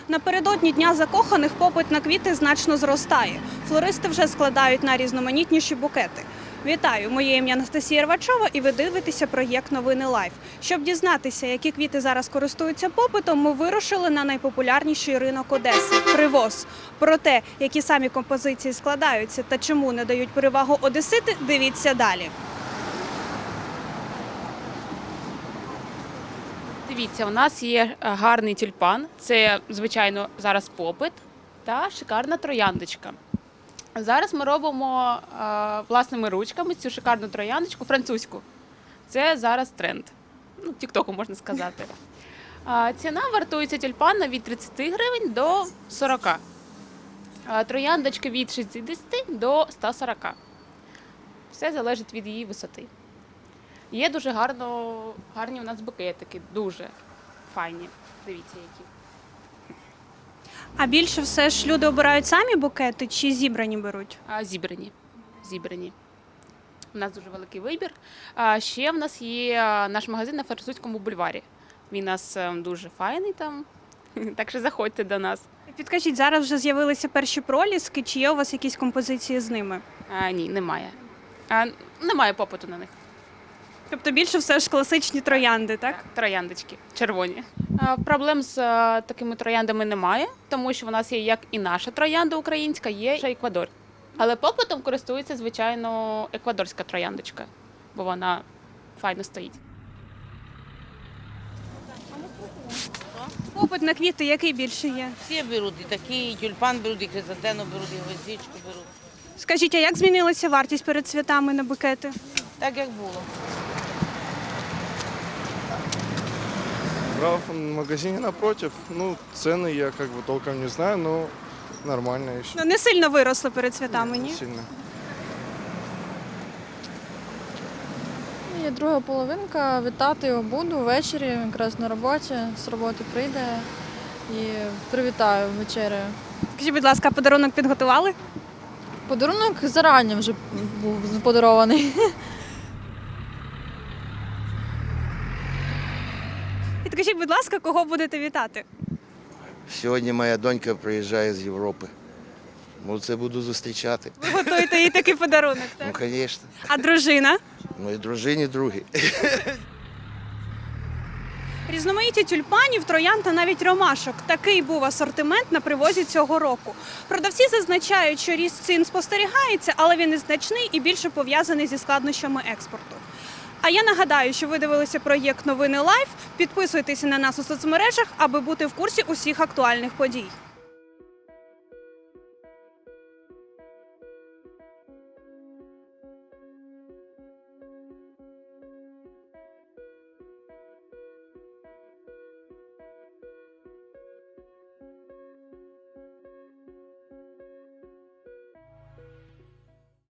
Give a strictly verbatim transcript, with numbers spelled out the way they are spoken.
Напередодні Дня закоханих попит на квіти значно зростає. Флористи вже складають найрізноманітніші букети. Вітаю! Моє ім'я Анастасія Рвачова і ви дивитеся проєкт «Новини Лайф». Щоб дізнатися, які квіти зараз користуються попитом, ми вирушили на найпопулярніший ринок Одеси – Привоз. Про те, які самі композиції складаються та чому не дають перевагу одесити, дивіться далі. Дивіться, у нас є гарний тюльпан, це, звичайно, зараз попит, та шикарна трояндочка. Зараз ми робимо а, власними ручками цю шикарну трояндочку французьку. Це зараз тренд, ну, тіктоку можна сказати. А, ціна вартується тюльпана від тридцяти гривень до сорока. А, трояндочки від шістдесяти до ста сорока. Все залежить від її висоти. Є дуже гарно, гарні у нас букетики, дуже файні. Дивіться, які. А більше все ж люди обирають самі букети чи зібрані беруть? А, зібрані. Зібрані. У нас дуже великий вибір. А ще в нас є наш магазин на Французькому бульварі. Він у нас дуже файний там, так що заходьте до нас. Підкажіть, зараз вже з'явилися перші проліски, чи є у вас якісь композиції з ними? А, ні, немає. А, немає попиту на них. Тобто більше все ж класичні троянди, так? Так, трояндочки, червоні. А, проблем з а, такими трояндами немає, тому що в нас є як і наша троянда українська, є ще Еквадор. Але попитом користується, звичайно, еквадорська трояндочка, бо вона файно стоїть. Попит на квіти який більше є? Всі беруть, і такі, і тюльпан беруть, і хризантену беруть, і гвоздичку беруть. Скажіть, а як змінилася вартість перед святами на букети? Так, як було. Брал в магазине напротив. Ну, цены я как бы толком не знаю, но нормально еще. Ну, не сильно виросли перед святами, ні? Не сильно. Є друга половинка, вітати його буду ввечері, якраз на роботі, з роботи прийде і привітаю вечерею. Скажіть, будь ласка, подарунок підготували? Подарунок зарані вже був подарований. Підкажіть, будь ласка, кого будете вітати? Сьогодні моя донька приїжджає з Європи. Ну, це буду зустрічати. Ви готуєте їй такий подарунок, Ну, так? звісно. А дружина? Ну і дружині другі. Різноманіття тюльпанів, троянд та навіть ромашок. Такий був асортимент на привозі цього року. Продавці зазначають, що ріст цін спостерігається, але він незначний і більше пов'язаний зі складнощами експорту. А я нагадаю, що ви дивилися проєкт «Новини Лайф». Підписуйтеся на нас у соцмережах, аби бути в курсі усіх актуальних подій.